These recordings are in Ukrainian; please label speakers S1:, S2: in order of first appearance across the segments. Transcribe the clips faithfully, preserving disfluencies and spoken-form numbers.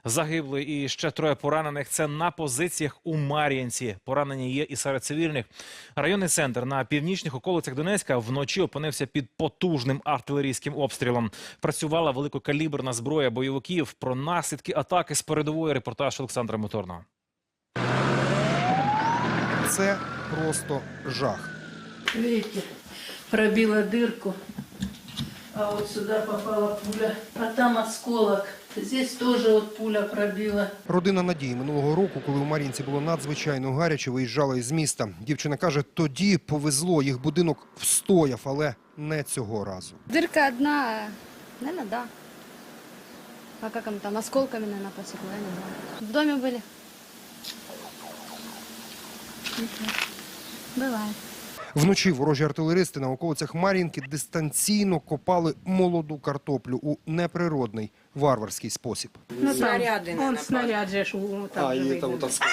S1: загиблий і ще троє поранених. Це на позиціях у Мар'їнці. Поранені є і серед цивільних. Районний центр на північних околицях Донецька вночі опинився під потужним артилерійським обстрілом. Працювала великокаліберна зброя бойовиків. Про наслідки атаки з передової репортаж Олександра Моторного.
S2: Це просто жах.
S3: Видите, пробила дырку, а вот сюда попала пуля, а там осколок. Здесь тоже вот пуля пробила.
S2: Родина Надії минулого року, коли у Мар'їнці було надзвичайно гаряче, виїжджала із міста. Дівчина каже, тоді повезло, їх будинок встояв, але не цього разу.
S4: Дырка одна, наверное, да. А как им там, осколками, наверное, посекло, я не знаю. В доме были? Бывает.
S2: Вночі ворожі артилеристи на околицях Мар'їнки дистанційно копали молоду картоплю у неприродний варварський спосіб.
S5: Ну, снаряды,
S6: Он снаряд же ж у- там
S2: А,
S6: же
S2: і
S6: видно.
S2: там так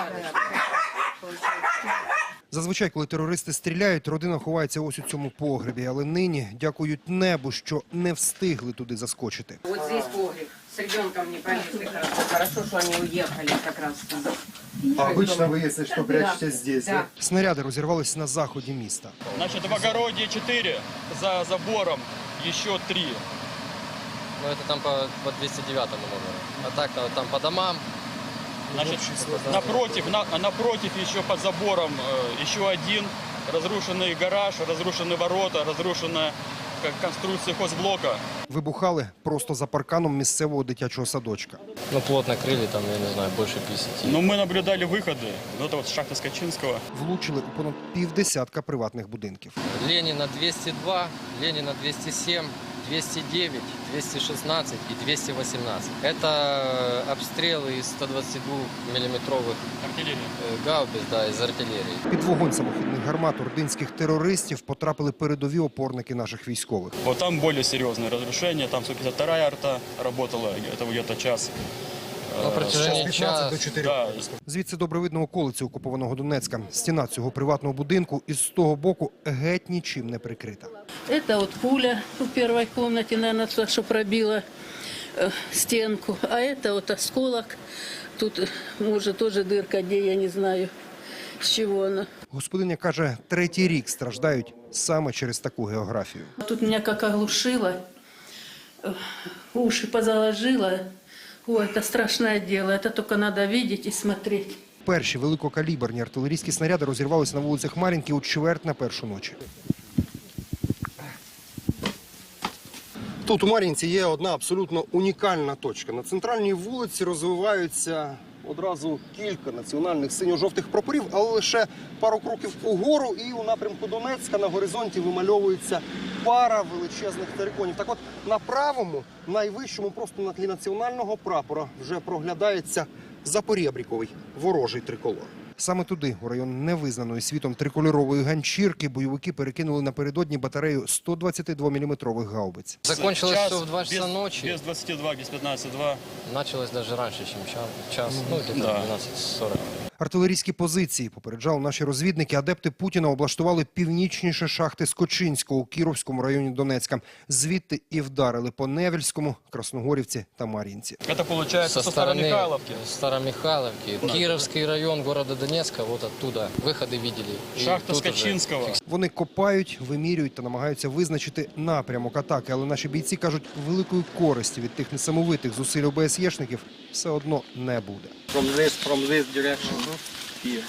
S2: Зазвичай, коли терористи стріляють, родина ховається ось у цьому погребі. Але нині дякують небу, що не встигли туди заскочити.
S5: Вот здесь погреб. С ребенком не полезли хорошо. Хорошо, что они уехали как раз.
S2: А обычно вы, если что, прячетесь здесь,
S5: да?
S2: Снаряди розірвались на заході міста.
S7: Значит, в огороде четыре, за забором еще три.
S8: Ну, это там по, по двести девятому номеру. А так там по домам.
S7: Значит, напротив, на, напротив еще под забором э, еще один. Разрушенный гараж, разрушенные ворота, разрушенная как конструкция хозблока.
S2: Вибухали просто за парканом місцевого дитячого садочка.
S8: Ну, плотно крыли, там, я не знаю, больше пятидесяти.
S7: Но мы наблюдали выходы. Вот это вот шахта Скачинского.
S2: Влучили у понад півдесятка приватних будинків.
S8: Ленина двести два, Ленина двести семь, двести девять, двести шестнадцать и двести восемнадцать. Это обстрелы из ста двадцати двух миллиметровых
S7: Артиллерия.
S8: гаубиц, да, из артиллерии.
S2: Під вогонь самохідних гармат ординських терористів потрапили передові опорники наших військових.
S7: Вот там более серьезные разрушения. Там сто пятьдесят вторая арта работала, это где-то час.
S8: На протяжении часа.
S7: Да.
S2: Звідси добре видно околиці окупованого Донецька. Стіна цього приватного будинку із з того боку геть нічим не прикрита.
S3: Это вот пуля в первой комнате, наверное, то, что пробила э, стенку. А это вот осколок. Тут, э, может, тоже дырка, где, я не знаю, с чего она.
S2: Господиня каже, третій рік страждають саме через таку географію.
S3: Тут меня как оглушило, э, уши позаложило. Ой, это страшное дело, это только надо видеть и смотреть.
S2: Перші великокаліберні артилерійські снаряди розірвалися на вулицях Мар'їнки у чверть на першу ночі. Тут у Мар'їнці є одна абсолютно унікальна точка. На центральній вулиці розвиваються одразу кілька національних синьо-жовтих прапорів, але лише пару кроків угору і у напрямку Донецька на горизонті вимальовується пара величезних териконів. Так от на правому, найвищому, просто на тлі національного прапора вже проглядається запорєбріковий ворожий триколор. Саме туди, у район невизнаної світом трикольорової ганчірки, бойовики перекинули напередодні батарею сто двадцятидвоміліметрових гаубиць.
S8: Закончилось
S7: Час,
S8: все в два часа
S7: без,
S8: ночи.
S7: Без двадцати двух, без пятнадцати двух.
S8: Началось даже раньше, чем час. час ну, где-то
S7: Да.
S8: двенадцать сорок.
S2: Артилерійські позиції, попереджали наші розвідники, адепти Путіна облаштували північніше шахти Скочинського у Кіровському районі Донецька. Звідти і вдарили по Невельському, Красногорівці та Мар'їнці.
S7: Это получается со, стороны Михайловки.
S8: Старомихайловки. Кировский район города Донецка, вот оттуда выходы видели. И
S7: Шахта
S8: тут уже
S7: Скачинского.
S2: Вони копають, вимірюють та намагаються визначити напрямок атаки. Але наші бійці кажуть, великої користі від тих несамовитих зусиль ОБСЄшників все одно не буде.
S9: From this, from this direction. Here.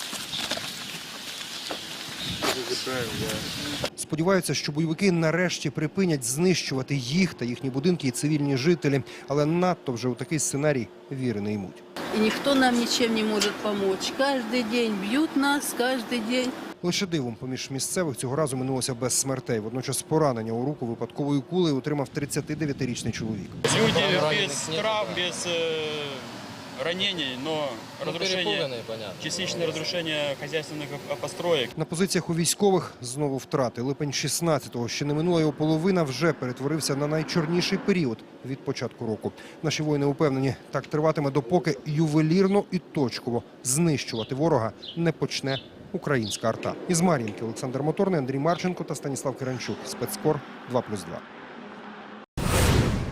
S2: Сподіваються, що бойовики нарешті припинять знищувати їх та їхні будинки і цивільні жителі. Але надто вже у такий сценарій віри не ймуть.
S3: И никто нам ничем не может помочь. Каждый день бьют нас, каждый день.
S2: Лише дивом поміж місцевих цього разу минулося без смертей. Водночас поранення у руку випадковою кулею отримав тридцятидев'ятирічний чоловік.
S7: Люди
S8: Раненых
S7: без
S8: нет,
S7: травм,
S8: да.
S7: без э, ранений, но
S8: Ну,
S7: разрушение,
S8: перепуганные, понятно.
S7: частичное разрушение хозяйственных э, построек.
S2: На позиціях у військових знову втрати. Липень шістнадцятого, ще не минула його половина, вже перетворився на найчорніший період від початку року. Наші воїни упевнені, так триватиме, допоки ювелірно і точково знищувати ворога не почне українська арта. Із Мар'їнки Олександр Моторний, Андрій Марченко та Станіслав Киранчук. Спецкор два плюс два.